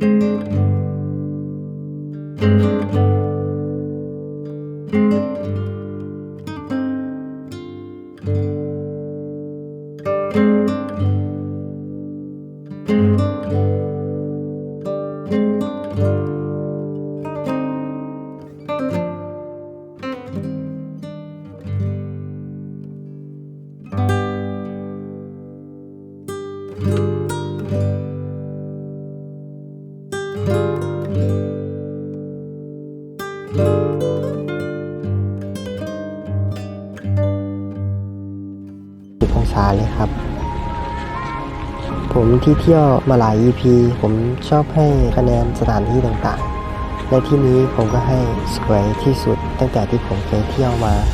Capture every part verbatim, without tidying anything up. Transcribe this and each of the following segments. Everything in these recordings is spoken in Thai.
องศาเลยครับผมที่เที่ยวมาหลาย อี พี ผมชอบให้คะแนนสถานที่ต่างๆและที่นี้ผมก็ให้สวยที่สุดตั้งแต่ที่ผมเคยเที่ยวมา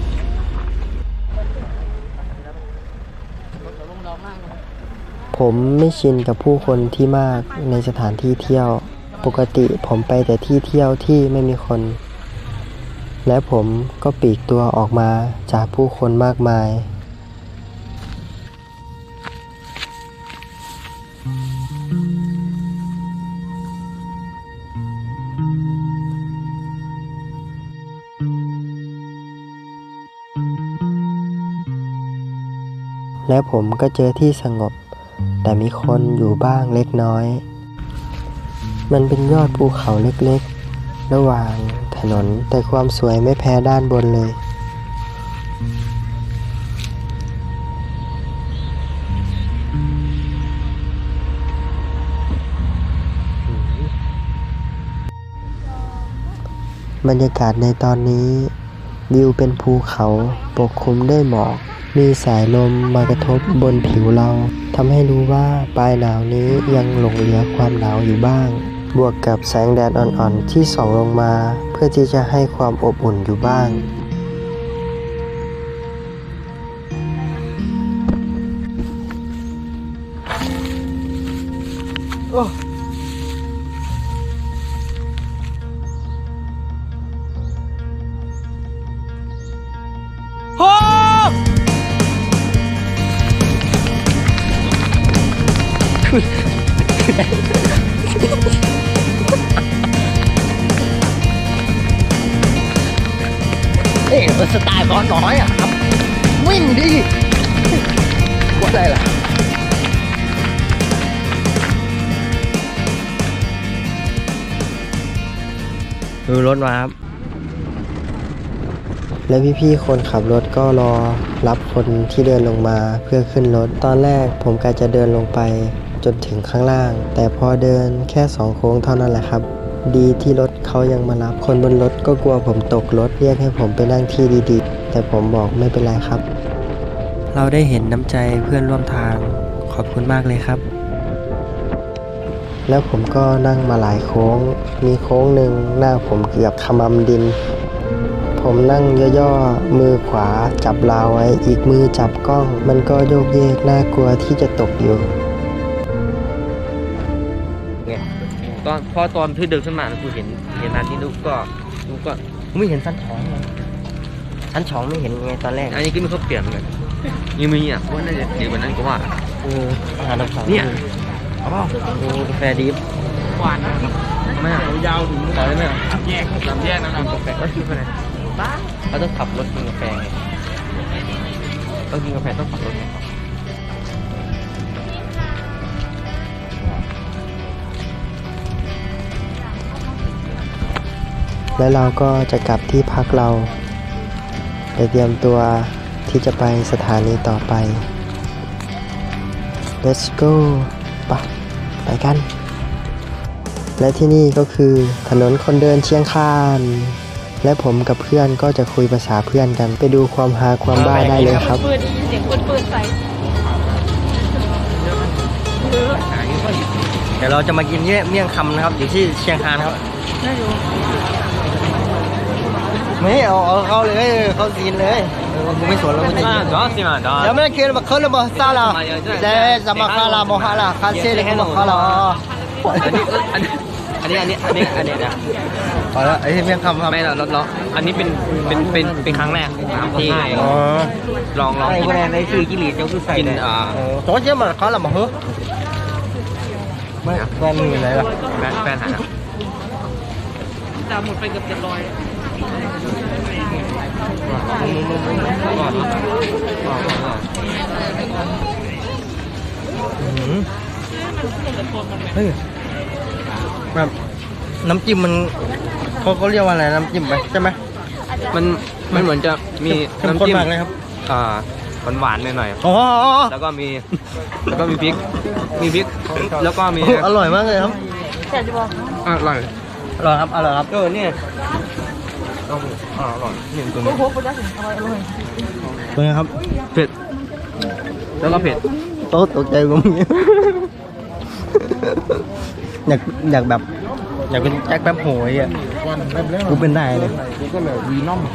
ผมไม่ชินกับผู้คนที่มากในสถานที่เที่ยวปกติผมไปแต่ที่เที่ยวที่ไม่มีคนและผมก็ปลีกตัวออกมาจากผู้คนมากมายและผมก็เจอที่สงบแต่มีคนอยู่บ้างเล็กน้อยมันเป็นยอดภูเขาเล็กๆระหว่างถนนแต่ความสวยไม่แพ้ด้านบนเลยบรรยากาศในตอนนี้วิวเป็นภูเขาปกคลุมด้วยหมอกมีสายลมมากระทบบนผิวเราทำให้รู้ว่าปลายหนาวนี้ยังหลงเหลือความหนาวอยู่บ้างบวกกับแสงแดดอ่อนๆที่ส่องลงมาเพื่อที่จะให้ความอบอุ่นอยู่บ้างโอ้โหเอ๊ะสไตล์บอลน้อยอ่ะครับวิ่งดิว่าอะไรล่ะดูรถมาครับและพี่ๆคนขับรถก็รอรับคนที่เดินลงมาเพื่อขึ้นรถตอนแรกผมกะจะเดินลงไปจนถึงข้างล่างแต่พอเดินแค่สองโค้งเท่านั้นแหละครับดีที่รถเขายังมารับคนบนรถก็กลัวผมตกรถเรียกให้ผมไปนั่งที่ดีๆแต่ผมบอกไม่เป็นไรครับเราได้เห็นน้ำใจเพื่อนร่วมทางขอบคุณมากเลยครับแล้วผมก็นั่งมาหลายโค้งมีโค้งหนึ่งหน้าผมเกือบขมำดินผมนั่งย่อๆมือขวาจับราวไว้อีกมือจับกล้องมันก็โยกเยกน่ากลัวที่จะตกอยู่ตอนพอตอนที่เดินขึ้นมากูเห็นเห็นอันนี้ลูกก็ลูกก็ไม่เห็นสั้นท้องเลยชั้นสองไม่เห็นไงตอนแรกอันนี้ก็ไม่เขาเปลี่ยนเลยยังมีอ่ะว่าน่าจะดีกว่านั้นก็ว่าเอออาหารน้ำสองเนี่ยเอาเปล่าโอ้กาแฟดิฟหวานนะครับไม่เอายาวถึงต่อได้ไหมแยกสามแยกนะครับกาแฟก็คือไปไหนบ้าเขาต้องขับรถกินกาแฟไงต้องกินกาแฟต้องขับรถแล้วเราก็จะกลับที่พักเราไปเตรียมตัวที่จะไปสถานีต่อไป Let's go ไปไปกันและที่นี่ก็คือถนนคนเดินเชียงคานและผมกับเพื่อนก็จะคุยภาษาเพื่อนกันไปดูความฮาความบ้าได้เลยครับเปิดเสียงเปิดใส่เดี๋ยวเราจะมากินเมี่ยงคำนะครับอยู่ที่เชียงคานครับไม่เอาเอาเข้าเลยเข้าซีนเลยกูไม่สนแล้วกูจะกินจ้าสิมาจ้าเดี๋ยวไม่ได้กินมาเคลื่อนมาซาลาเดี๋ยวจะมาคาลาโมฮาลาคาเซ่เลยมาคาลาอันนี้อันนี้อันนี้อันนี้อันนี้นะพอแล้วไอ้ที่เมี่ยงคำครับไม่เราเราอันนี้เป็นเป็นเป็นเป็นครั้งแรกที่ลองลองกินในคือกิริยาเจ้าคือใส่กินอ่าโจ๊กเจ้ามาคาลาโมฮไม่แฟนมึงอยู่ไหนล่ะแฟนแฟนหายแล้วจะหมดไปเกือบเจ็ดร้อยก่อนก่อนก่อนก่อนอื้อหือเฮ้ยแบบน้ำจิ้มมันเขาเขาเรียกว่าอะไรน้ำจิ้มไหมใช่ไหมมันมันเหมือนจะมีเข้มน้ำข้นจิ้มมากเลยครับอ่าหวานหวานๆหน่อยอ๋อๆแล้วก็มีแล้วก็มีพริกมีพริกแล้วก็มีอร่อยมากเลยครับอร่อยอร่อยครับอร่อยครับเออเนี่ยต้องอ่าอร่อยนี่ตัวนี้เป็นไงครับเผ็ดแล้วก็เผ็ดโต๊ะตกใจกูมึงอยากอยากแบบอยากเป็นแจ็คแป๊บโหยอ่ะกูเป็นได้เลยก็เลยวีนอม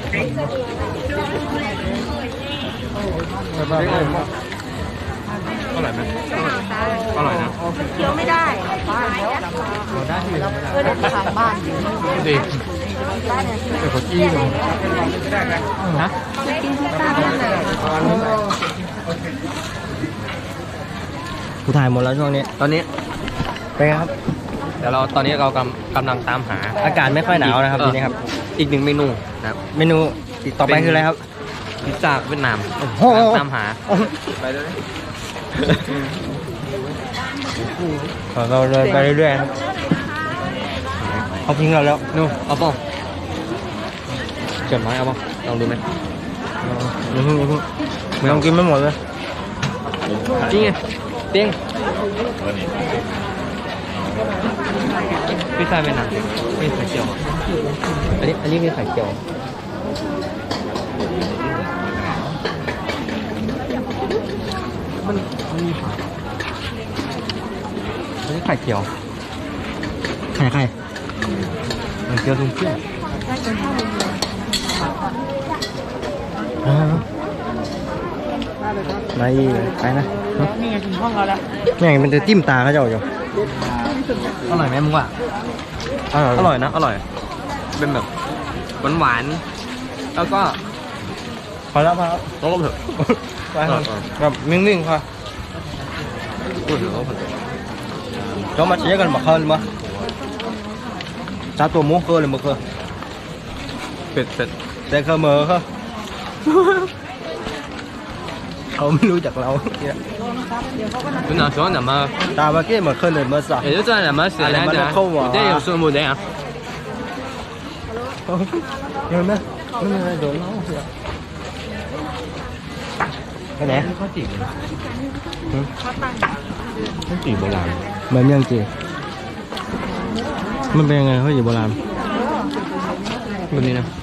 อร่อยไหมอร่อยนะเคี้ยวไม่ได้เออได้ขายบ้านดีบ้านเนี่ยเป็นคนจี้เลยนะกินพิซซ่าบ้านไหนกูถ่ายหมดแล้วช่วงนี้ตอนนี้เป็นไงครับเดี๋ยวเราตอนนี้เรากำกำลังตามหาอากาศไม่ค่อยหนาวนะครับเออทีนี้ครับอีกหนึ่งเมนูนะครับเมนูอีกต่อไปเป็นคืออะไรครับพิซซ่าเวียดนามโอ้โหกำลังตามหาไปเลยเราเดินไปเรื่อยๆครับเขาทิ้งเราแล้วนู่นเอาป่ะเกิดไหมเอาป่ะลองดูไหมอย่าเพิ่งอย่าเพิ่งไม่ต้องกินไม่หมดเลยจริงไงเตี้ยงพิซซ่าเวียดนามมีไข่เจียวอันนี้อันนี้มีไข่เจียวมันมันมีผักอันนี้ไข่เจียวใครใครไข่เจียวทุ่งเที่ยวอ่าไปไปนะนี่ไงถึงห้องเราแล้วแม่งมันจะจิ้มตาเขาเจ้าอยู่อร่อยไหมมึงว่าอร่อยอร่อยนะอร่อย เป็นแบบหวานๆแล้วก็พอแล้วพอแล้วแล้วก็เผ็ดไปครับแบบนิ่งๆค่ะพูดถึงแล้วเผ็ด cho mà chỉ cần mặc hơn mà sao tôi muốn cơ là một cơ เผ็ดเผ็ดแต่เคยมือเขาเขาไม่รู้จักเราคุณ哪喜欢怎么ตามมาเกี้เหมือนเคยเลยเมื่อสัก也就这样怎么写来着你这有顺不这样เห็นไหมไม่มีอะไรโดนเราเสียไปไหนข้าวจี่ข้าวจี่โบราณเหมือนยังจีมันเป็นยังไงเขาอยู่โบราณแบบนี้นะ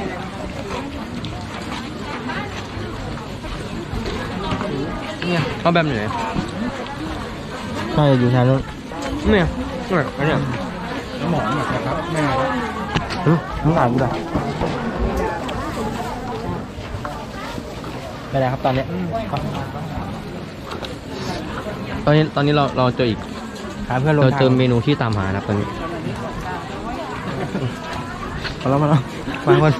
เนี่ยเขาแบบไหนใช่อยู่ทางนู้นเนี่ยเนี่ยอันเนี้ยหมอนะครับแม่มึงอ่านกูด้วยไปไหนครับตอนนี้ตอนนี้ตอนนี้เราเราเจออีกหาเพื่อนลงเราทางเจอเมนูที่ตามหานะครับตอนนี้มาแล้วมาแล้วมาคน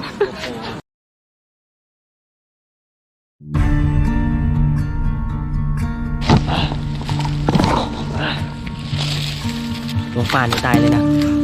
ลงป่านี่ตายเลยนะ